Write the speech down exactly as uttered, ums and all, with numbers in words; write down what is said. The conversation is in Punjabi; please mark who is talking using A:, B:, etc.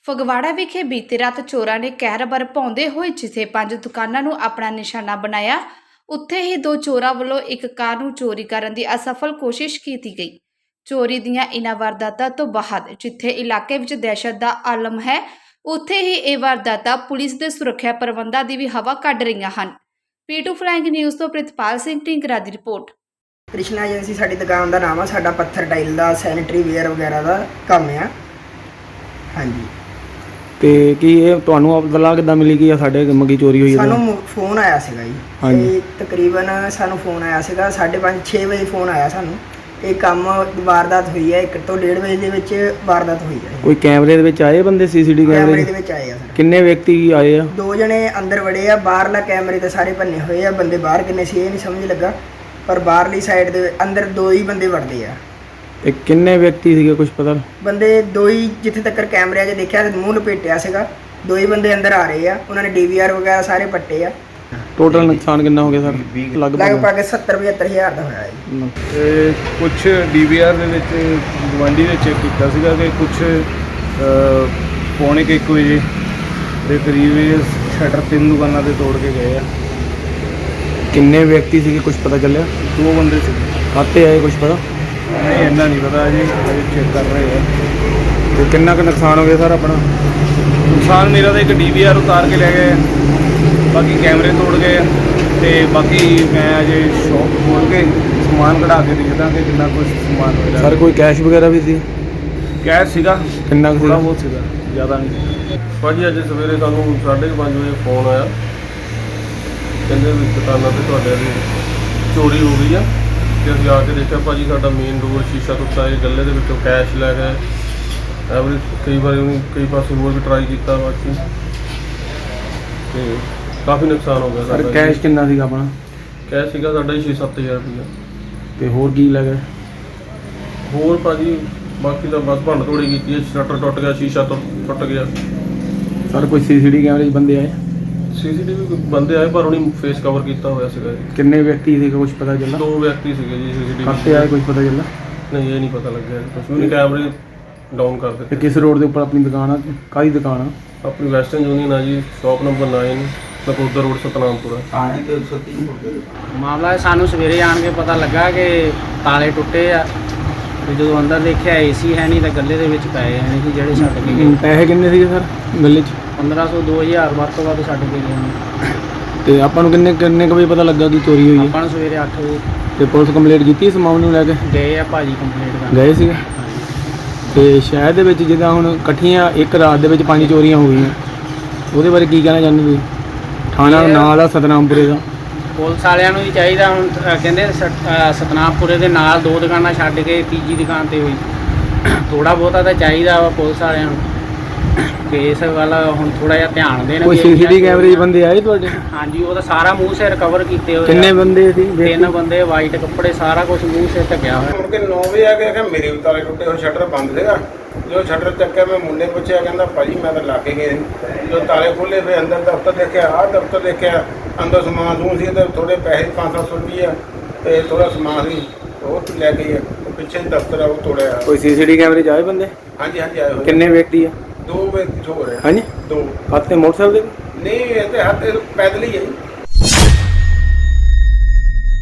A: ਫਗਵਾੜਾ ਵਿਖੇ ਬੀਤੀ ਰਾਤ ਚੋਰਾਂ ਨੇ ਕਹਿਰ ਬਰਪਾਉਂਦੇ ਹੋਏ ਜਿੱਥੇ ਪੰਜ ਦੁਕਾਨਾਂ ਨੂੰ ਆਪਣਾ ਨਿਸ਼ਾਨਾ ਬਣਾਇਆ, ਉੱਥੇ ਹੀ ਦੋ ਚੋਰਾਂ ਵੱਲੋਂ ਇੱਕ ਕਾਰ ਨੂੰ ਚੋਰੀ ਕਰਨ ਦੀ ਅਸਫਲ ਕੋਸ਼ਿਸ਼ ਕੀਤੀ ਗਈ। ਚੋਰੀ ਦੀਆਂ ਇਨ੍ਹਾਂ ਵਾਰਦਾਤਾਂ ਤੋਂ ਬਾਅਦ ਜਿੱਥੇ ਇਲਾਕੇ ਵਿੱਚ ਦਹਿਸ਼ਤ ਦਾ ਆਲਮ ਹੈ, ਉੱਥੇ ਹੀ ਇਹ ਵਾਰਦਾਤਾਂ ਪੁਲਿਸ ਦੇ ਸੁਰੱਖਿਆ ਪ੍ਰਬੰਧਾਂ ਦੀ ਵੀ ਹਵਾ ਕੱਢ ਰਹੀਆਂ ਹਨ। ਪੀ ਟੂ ਫਲਾਈਂਗ ਨਿਊਜ਼ ਤੋਂ ਪ੍ਰਿਤਪਾਲ ਸਿੰਘ ਢਿੰਗਰਾ ਦੀ ਰਿਪੋर्ट।
B: कृष्णा एजेंसी साडी दुकान का नाम है। साडा पत्थर टाइल का सैनिटरी वेयर वगैरह का काम है। हाँ जी।
C: ਤੇ ਕੀ ਇਹ ਤੁਹਾਨੂੰ ਇਤਲਾਹ ਕਿੱਦਾਂ ਮਿਲੀ ਕਿ ਸਾਡੇ ਮੰਗੀ ਚੋਰੀ ਹੋਈ ਹੈ?
B: ਸਾਨੂੰ ਫੋਨ ਆਇਆ ਸੀਗਾ ਜੀ।
C: ਹਾਂਜੀ।
B: ਤੇ ਤਕਰੀਬਨ ਸਾਨੂੰ ਫੋਨ ਆਇਆ ਸੀਗਾ ਸਾਢੇ ਪੰਜ ਛੇ ਵਜੇ ਫੋਨ ਆਇਆ ਸਾਨੂੰ। ਇਹ ਕੰਮ ਵਾਰਦਾਤ ਹੋਈ ਹੈ ਇੱਕ ਤੋਂ ਡੇਢ ਵਜੇ ਦੇ ਵਿੱਚ ਵਾਰਦਾਤ ਹੋਈ ਹੈ।
C: ਕੋਈ ਕੈਮਰੇ ਦੇ ਵਿੱਚ ਆਏ ਬੰਦੇ ਸੀਸੀਟੀਵੀ
B: ਕੈਮਰੇ
C: ਕੈਮਰੇ
B: ਦੇ ਵਿੱਚ ਆਏ ਆ ਸਰ।
C: ਕਿੰਨੇ ਵਿਅਕਤੀ ਆਏ ਆ?
B: ਦੋ ਜਣੇ ਅੰਦਰ ਵੜੇ ਆ। ਬਾਹਰਲਾ ਕੈਮਰੇ ਤੇ ਸਾਰੇ ਭੰਨੇ ਹੋਏ ਆ। ਬੰਦੇ ਬਾਹਰ ਕਿੰਨੇ ਸੀ ਇਹ ਨਹੀਂ ਸਮਝ ਲੱਗਾ, ਪਰ ਬਾਹਰਲੀ ਸਾਈਡ ਦੇ ਅੰਦਰ ਦੋ ਹੀ ਬੰਦੇ ਵੜਦੇ ਆ।
C: ਤੇ ਕਿੰਨੇ ਵਿਅਕਤੀ ਸੀਗੇ ਕੁਝ ਪਤਾ?
B: ਬੰਦੇ ਦੋ ਹੀ, ਜਿੱਥੇ ਤੱਕ ਕੈਮਰਿਆਂ 'ਚ ਦੇਖਿਆ ਮੂੰਹ ਲਪੇਟਿਆ ਸੀਗਾ। ਦੋ ਹੀ ਬੰਦੇ ਅੰਦਰ ਆ ਰਹੇ ਆ। ਉਹਨਾਂ ਨੇ ਡੀਵੀਆਰ ਵਗੈਰਾ ਸਾਰੇ ਪੱਟੇ ਆ।
C: ਟੋਟਲ ਨੁਕਸਾਨ ਕਿੰਨਾ ਹੋ ਗਿਆ ਸਰ?
B: ਲਗਭਗ ਸੱਤਰ ਪਝੱਤਰ ਹਜ਼ਾਰ ਦਾ ਹੋਇਆ ਜੀ।
D: ਤੇ ਕੁਝ ਡੀਵੀਆਰ ਦੇ ਵਿੱਚ ਗਵਾਂਢੀ ਨੇ ਚੈੱਕ ਕੀਤਾ ਸੀਗਾ ਕਿ ਕੁਝ ਪੌਣੇ ਕੁ ਇੱਕ ਵਜੇ ਦੇ ਕਰੀਬ ਇਹ ਸ਼ਟਰ ਤਿੰਨ ਦੁਕਾਨਾਂ ਤੇ ਤੋੜ ਕੇ ਗਏ ਆ।
C: ਕਿੰਨੇ ਵਿਅਕਤੀ ਸੀਗੇ ਕੁਝ ਪਤਾ ਚੱਲਿਆ?
D: ਦੋ ਬੰਦੇ ਸੀ।
C: ਖਾਤੇ ਆਏ ਕੁਝ ਪਤਾ?
D: ਨਹੀਂ ਇੰਨਾ ਨਹੀਂ ਪਤਾ ਜੀ, ਚੈੱਕ ਕਰ ਰਹੇ ਆ।
C: ਤੇ ਕਿੰਨਾ ਕੁ ਨੁਕਸਾਨ ਹੋ ਗਿਆ ਸਰ ਆਪਣਾ?
D: ਨੁਕਸਾਨ ਮੇਰਾ ਤਾਂ ਇੱਕ ਡੀਵੀਆਰ ਉਤਾਰ ਕੇ ਲੈ ਗਏ ਆ, ਬਾਕੀ ਕੈਮਰੇ ਤੋੜ ਗਏ ਆ, ਤੇ ਬਾਕੀ ਮੈਂ ਅਜੇ ਸ਼ੌਪ ਖੋਲ ਕੇ ਸਮਾਨ ਕਢਾ ਕੇ ਦੇਖਦਾ ਕਿ ਕਿੰਨਾ ਕੁਝ ਸਮਾਨ ਹੋਇਆ।
C: ਸਰ ਕੋਈ ਕੈਸ਼ ਵਗੈਰਾ ਵੀ ਸੀ?
D: ਕੈਸ਼ ਸੀਗਾ
C: ਕਿੰਨਾ ਕੁ
D: ਥੋੜ੍ਹਾ
C: ਸੀਗਾ?
D: ਬਹੁਤ ਸੀਗਾ, ਜ਼ਿਆਦਾ ਨਹੀਂ। ਭਾਜੀ ਅੱਜ ਸਵੇਰੇ ਸਾਨੂੰ ਸਾਢੇ ਕੁ ਪੰਜ ਵਜੇ ਫੋਨ ਆਇਆ, ਕਹਿੰਦੇ ਵੀ ਦੁਕਾਨਾਂ 'ਤੇ ਤੁਹਾਡੇ ਦੀ ਚੋਰੀ ਹੋ ਗਈ ਆ। ਤੇ ਅਸੀਂ ਆ ਕੇ ਦੇਖਿਆ ਭਾਜੀ ਸਾਡਾ ਮੇਨ ਡੋਰ ਸ਼ੀਸ਼ਾ ਟੁੱਟਾ, ਇਹ ਗੱਲੇ ਦੇ ਵਿੱਚੋਂ ਕੈਸ਼ ਲੈ ਗਏ। ਐਵਰੀ ਕਈ ਵਾਰੀ ਉਹਨੂੰ ਕਈ ਪਾਸੇ ਹੋਰ ਵੀ ਟਰਾਈ ਕੀਤਾ ਬਾਕੀ, ਤੇ ਕਾਫੀ ਨੁਕਸਾਨ ਹੋ ਗਿਆ
C: ਸਰ
D: ਸਾਡਾ।
C: ਕੈਸ਼ ਕਿੰਨਾ ਸੀਗਾ ਆਪਣਾ?
D: ਕੈਸ਼ ਸੀਗਾ ਸਾਡਾ ਛੇ ਸੱਤ ਹਜ਼ਾਰ ਰੁਪਈਆ।
C: ਤੇ ਹੋਰ ਕੀ ਲੱਗਾ?
D: ਹੋਰ ਭਾਜੀ ਬਾਕੀ ਤਾਂ ਬਸ ਭੰਨ ਤੋੜੀ ਕੀਤੀ ਹੈ। ਸ਼ਟਰ ਟੁੱਟ ਗਿਆ, ਸ਼ੀਸ਼ਾ ਟੁੱਟ ਟੁੱਟ ਗਿਆ।
C: ਸਰ ਕੋਈ ਸੀਸੀਟੀਵੀ ਕੈਮਰੇ 'ਚ ਬੰਦੇ ਆਏ?
D: ਸੀਸੀਟੀਵੀ ਬੰਦੇ ਆਏ ਪਰ ਉਹਨੇ ਫੇਸ ਕਵਰ ਕੀਤਾ ਹੋਇਆ ਸੀਗਾ ਜੀ।
C: ਕਿੰਨੇ ਵਿਅਕਤੀ ਸੀਗੇ ਕੁਝ ਪਤਾ ਚੱਲਾ?
D: ਦੋ ਵਿਅਕਤੀ ਸੀਗੇ ਜੀ ਸੀਸੀਟੀਵੀ।
C: ਖਾਤੇ ਆਏ ਕੁਝ ਪਤਾ ਚੱਲਾ?
D: ਨਹੀਂ ਇਹ ਨਹੀਂ ਪਤਾ ਲੱਗਿਆ ਕੁਝ ਵੀ ਨਹੀਂ। ਕੈਮਰੇ ਡਾਊਨ ਕਰ
C: ਤੇ
D: ਦਿੱਤੇ।
C: ਕਿਸ ਰੋਡ ਦੇ ਉੱਪਰ ਆਪਣੀ ਦੁਕਾਨ ਆ? ਕਾਹਦੀ ਦੁਕਾਨ ਆ?
D: ਆਪਣੀ ਵੈਸਟਰਨ ਯੂਨੀਅਨ ਆ ਜੀ, ਸ਼ਾਪ ਨੰਬਰ ਨੌਂ, ਨਕੋਦਰ ਰੋਡ, ਸਤਨਾਮਪੁਰਾ।
E: ਮਾਮਲਾ ਸਾਨੂੰ ਸਵੇਰੇ ਆਣ ਕੇ ਪਤਾ ਲੱਗਾ ਕਿ ਤਾਲੇ ਟੁੱਟੇ ਆ। ਤੇ ਜਦੋਂ ਅੰਦਰ ਦੇਖਿਆ ਏਸੀ ਹੈ ਨਹੀਂ ਤਾਂ ਗੱਲੇ ਦੇ ਵਿੱਚ ਪਏ ਹੈ ਨਹੀਂ ਜਿਹੜੇ ਛੱਡ ਕੇ ਗਏ।
C: ਪੈਸੇ ਕਿੰਨੇ ਸੀਗੇ ਸਰ ਗੱਲੇ 'ਚ?
E: ਪੰਦਰਾਂ ਸੌ ਦੋ ਹਜ਼ਾਰ ਵੱਧ ਤੋਂ ਵੱਧ ਛੱਡ ਕੇ ਗਏ ਨੇ।
C: ਤੇ ਆਪਾਂ ਨੂੰ ਕਿੰਨੇ ਕਿੰਨੇ ਕੁ ਵਜੇ ਪਤਾ ਲੱਗਾ ਕਿ ਚੋਰੀ ਹੋਈ ਹੈ?
E: ਆਪਾਂ ਨੂੰ ਸਵੇਰੇ ਅੱਠ ਵਜੇ
C: ਤੇ ਪੁਲਿਸ ਕੰਪਲੇਂਟ ਕੀਤੀ ਇਸ ਮਾਮਲੇ ਨੂੰ ਲੈ ਕੇ?
E: ਗਏ ਆ ਭਾਜੀ ਕੰਪਲੀਟ ਕਰਨ।
C: ਗਏ ਸੀਗੇ। ਤੇ ਸ਼ਹਿਰ ਦੇ ਵਿੱਚ ਜਿੱਦਾਂ ਹੁਣ ਇਕੱਠੀਆਂ ਇੱਕ ਰਾਤ ਦੇ ਵਿੱਚ ਪੰਜ ਚੋਰੀਆਂ ਹੋ ਗਈਆਂ, ਉਹਦੇ ਬਾਰੇ ਕੀ ਕਹਿਣਾ ਚਾਹੁੰਦੇ ਤੁਸੀਂ? ਥਾਣਾ ਨਾਲ ਆ ਸਤਨਾਮਪੁਰੇ ਦਾ।
E: ਪੁਲਿਸ ਵਾਲਿਆਂ ਨੂੰ ਵੀ ਚਾਹੀਦਾ ਹੁਣ ਅ, ਕਹਿੰਦੇ ਸਤ- ਅ, ਸਤਨਾਮਪੁਰੇ ਦੇ ਨਾਲ ਦੋ ਦੁਕਾਨਾਂ ਛੱਡ ਕੇ ਤੀਜੀ ਦੁਕਾਨ ਤੇ ਹੋਈ। ਥੋੜਾ ਬਹੁਤਾ ਤਾਂ ਚਾਹੀਦਾ ਵਾ ਪੁਲਿਸ ਵਾਲਿਆਂ ਨੂੰ ਕਿ ਇਸ ਵੱਲ ਹੁਣ ਥੋੜਾ ਜਿਹਾ ਧਿਆਨ ਦੇਣ।
C: ਕੋਈ
E: ਵੀ
C: ਸੀਸੀਟੀਵੀ ਕੈਮਰੇ 'ਚ ਬੰਦੇ ਆਏ ਤੁਹਾਡੇ?
E: ਹਾਂਜੀ, ਉਹਦਾ ਸਾਰਾ ਮੂੰਹ ਸਿਰ ਕਵਰ ਕੀਤੇ ਹੋਏ
C: ਕਿੰਨੇ
E: ਆ।
C: ਬੰਦੇ ਸੀ?
E: ਤਿੰਨ ਬੰਦੇ, ਵਾਈਟ ਕੱਪੜੇ, ਸਾਰਾ ਕੁਝ ਮੂੰਹ ਸਿਰ ਢੱਕਿਆ ਹੋਇਆ।
F: ਮੁੜ ਕੇ ਨੌ ਵਜੇ ਆ ਕੇ ਕਿਹਾ ਮੇਰੇ ਵੀ ਤਾਲੇ ਟੁੱਟੇ ਹੋਏ, ਸ਼ਟਰ ਬੰਦ ਸੀਗਾ। ਜਦੋਂ ਸ਼ਟਰ ਚੱਕਿਆ ਮੈਂ ਮੁੰਡੇ ਪੁੱਛਿਆ, ਕਹਿੰਦਾ ਭਾਜੀ ਮੈਂ ਤਾਂ ਲਾ ਕੇ ਗਏ। ਜਦੋਂ ਤਾਲੇ ਖੋਲ੍ਹੇ ਫਿਰ ਅੰਦਰ ਦਫ਼ਤਰ ਦੇਖਿਆ, ਆਹ ਦਫ਼ਤਰ ਦੇਖਿਆ, ਅੰਦਰ ਸਮਾਨ ਸਮੂਨ ਸੀ ਤੇ ਥੋੜ੍ਹੇ ਪੈਸੇ ਪੰਜ ਸੱਤ ਸੌ ਰੁਪਈਆ ਅਤੇ ਥੋੜ੍ਹਾ ਸਮਾਨ ਸੀ ਉਹ ਲੈ ਗਏ ਆ। ਪਿੱਛੇ ਦਫ਼ਤਰ ਆ ਉਹ ਤੋੜਿਆ।
C: ਕੋਈ ਸੀਸੀਟੀਵੀ ਕੈਮਰੇ 'ਚ ਆਏ ਬੰਦੇ?
F: ਹਾਂਜੀ ਹਾਂਜੀ ਆਏ ਹੋਏ।
C: ਕਿੰਨੇ ਵਿਅਕਤੀ ਆ?
F: ਦੋ ਵਿਅਕਤੀ ਹੋ ਰਹੇ।
C: ਹਾਂਜੀ।
F: ਦੋ
C: ਖਾਤੇ ਮੋਟਰਸਾਈਕਲ ਦੇ?
F: ਨਹੀਂ ਇਹ ਤੇ ਹੱਥ ਪੈਦਲ ਹੀ ਹੈ।